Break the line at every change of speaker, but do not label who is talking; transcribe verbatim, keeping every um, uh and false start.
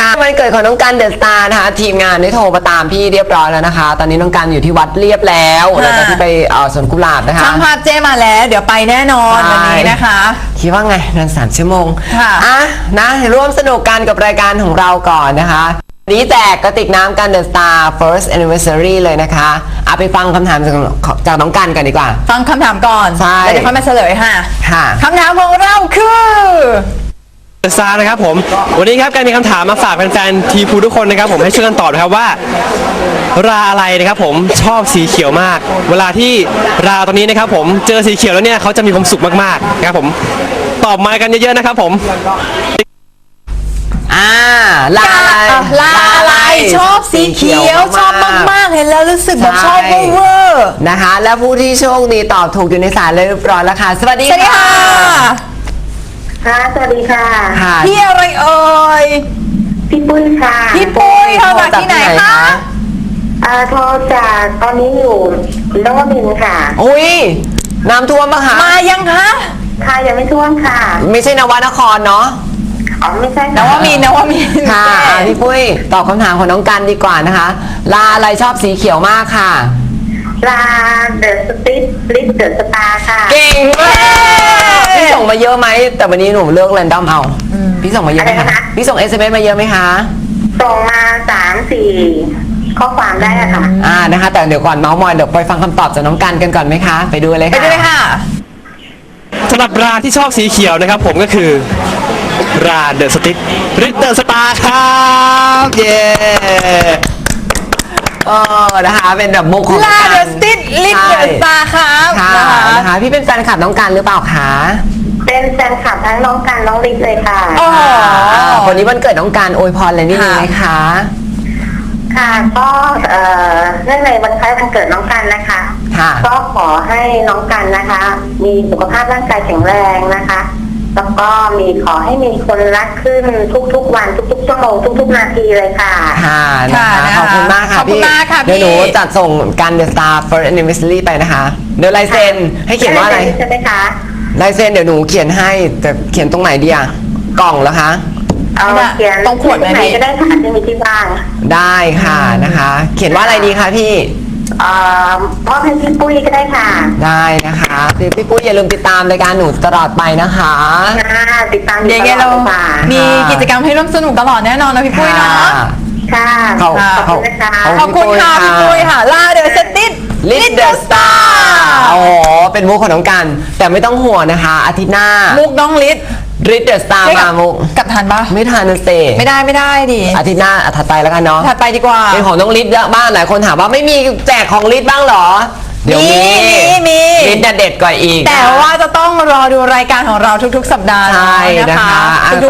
ค่ะวันเกิดของน้องกันเดอะสตาร์นะคะทีมงานได้โทรมาตามพี่เรียบร้อยแล้วนะคะตอนนี้น้องกันอยู่ที่วัดเรียบแล้วหลังจากที่ไปเอ่อสวนกุหลาบนะคะ
ช่างภาพเจมาแล้วเดี๋ยวไปแน่นอนวันนี้นะคะ
คิดว่าไงนานสามชั่วโมง
ค่ะ
อ่ะนะร่วมสนุกกันกับรายการของเราก่อนนะคะนี้แจกกระติกน้ำกันเดอะสตาร์ first anniversary เลยนะคะเอาไปฟังคำถามจากจากน้องกันกันดีกว่า
ฟังคำถามก่อน
ใช่
แล้วเดี๋ยวค่อยมาเฉลยค่ะ
ค่ะ
คำถามของเราคือ
เดอะสตาร์นะครับผมวันนี้ครับการมีคำถามมาฝากแฟนๆทีพูทุกคนนะครับผมให้ช่วยกันตอบนะครับว่าราอะไรนะครับผมชอบสีเขียวมากเวลาที่ราตอนนี้นะครับผมเจอสีเขียวแล้วเนี่ยเขาจะมีความสุขมากๆนะครับผมตอบมากันเยอะๆนะครับผม
อ่าลาอะไร
ลาอะไรชอบสีเขียวชอบมากๆเห็นแล้วรู้สึกแบบชอบเวอร์
นะคะและผู้ที่โชคดีตอบถูกอยู่ในสายเลยเรียบร้อยแล้วค่ะสวัสดีค่ะ
ค่ะสวัสดีค่ะ
พี่อะไรเอ่ย
พี่ปุ้ยค่ะ
พี่ปุ้ยโทรจากที่ไหนคะ
อ่าโทรจากตอนนี้อยู่นวมินทร์ค่ะ
อุ้ยน้ำท่วมปะคะ
มายังคะ
ค่ะยังไม่ท่วมค่ะ
ไม่ใช่นวนครเนาะ
อ๋อไม่ใช่
นวมินทร์นวมินทร์
ค่ะพี่ปุ้ยตอบคำถามของน้องกันดีกว่านะคะลาอะไรชอบสีเขียวมากค่ะ
ลาเดอะสติ๊ดลิสเดอะสตาร์ค่ะ
เก่งมากพี่ส่งมาเยอะไหมแต่วันนี้หนูเลือกแรนดอมเอาพี่ส่งมาเยอะไหมคะพี่ส่ง เอส เอ็ม เอส มาเยอะไหมคะ
ส่งมาสามสี่ข้อความได้ค่ะ
อ่านะคะแต่เดี๋ยวก่อนเมาส์มอยเดี๋ยวไปฟังคำตอบจากน้องกันกันก่อนไหมคะไปดูเลยค่ะ
ไปดูเลยค่ะ
สำหรับราที่ชอบสีเขียวนะครับผมก็คือราเดอะสติ๊กริดเดอะสตาร์ครับเย้
เออนะคะเป็นแบบมุกของ
ลาเดอะสติ๊กลิดเดอะสตาร์ครับ
ค่ะนะคะพี่เป็นแฟนคลับน้องกันหรือเปล่าคะ
เป็นแฟนคลับทั้งน้องกันน้องลิศเลยค่ะ
อ๋อ
วันนี้วันเกิดน้องกันอวยพรอะไรนี่ไหมคะ
ค่ะก็เอ่อเนื่องในวันคล้ายวันเกิดน้องกันนะคะก็ขอให้น้องกันนะคะมีสุขภาพร่างกายแข็งแรงนะคะแล้วก็มีขอให้มีคนรักขึ้นทุกๆวันทุกๆชั่วโมงทุกๆนาทีเลยค่ะ
ค่ะนะคะขอบคุณมากค่ะพี่เดี๋ยวหนูจัดส่งกันเดอะสตาร์ first anniversary ไปนะคะเดี๋ยวลายเซ็นให้เขียนว่าอะไร
ใช่ไหมคะ
ลายเซ็นเดี๋ยวหนูเขียนให้แต่เขียนตรงไหนดีอะกล่องเหรอคะ
เอาเขียนตรงขวดไหนก็ได้ค่ะที่มีที่บ้าน
ได้ค่ะนะคะเขียนว่าอะไรดีคะพี่
เอ่อพ่อให้พี่ปุ้ยก็ได้ค่ะ
ได้นะคะพี่ปุ้ยอย่าลืมติดตามรายการหนูตลอดไปนะคะ
ติดตาม
ยังไงเรามีกิจกรรมให้ร่วมสนุกตลอดแน่นอนนะพี่ปุ้ยเนาะ
ค่ะ
ขอบคุณ
ค่ะขอบคุณค่ะพี่ปุ้ยค่ะลาเดอะสติ๊ด
ลิดเดอะสตาร์โอ้โหเป็นมุกของน้องกันแต่ไม่ต้องห่วงนะคะอาทิตย์หน้า
มุกน้องลิด
ริดเดอะสตาร์มามุก
กับทันปะ
ไม่ทันนะเซ
ไม่ได้ไม่ได้ดิ
อาทิตย์หน้าถัดไปแล้วกันเนาะ
ถัดไปดีกว่า
เป็นของน้องลิดเยอะบ้างหลายคนถามว่าไม่มีแจกของลิดบ้างเหรอ
เดี๋ยวมีมี
ลิดเด็ดกว่าอีก
แต่ว่าจะต้องรอดูรายการของเราทุกๆสัปดาห์
นะคะ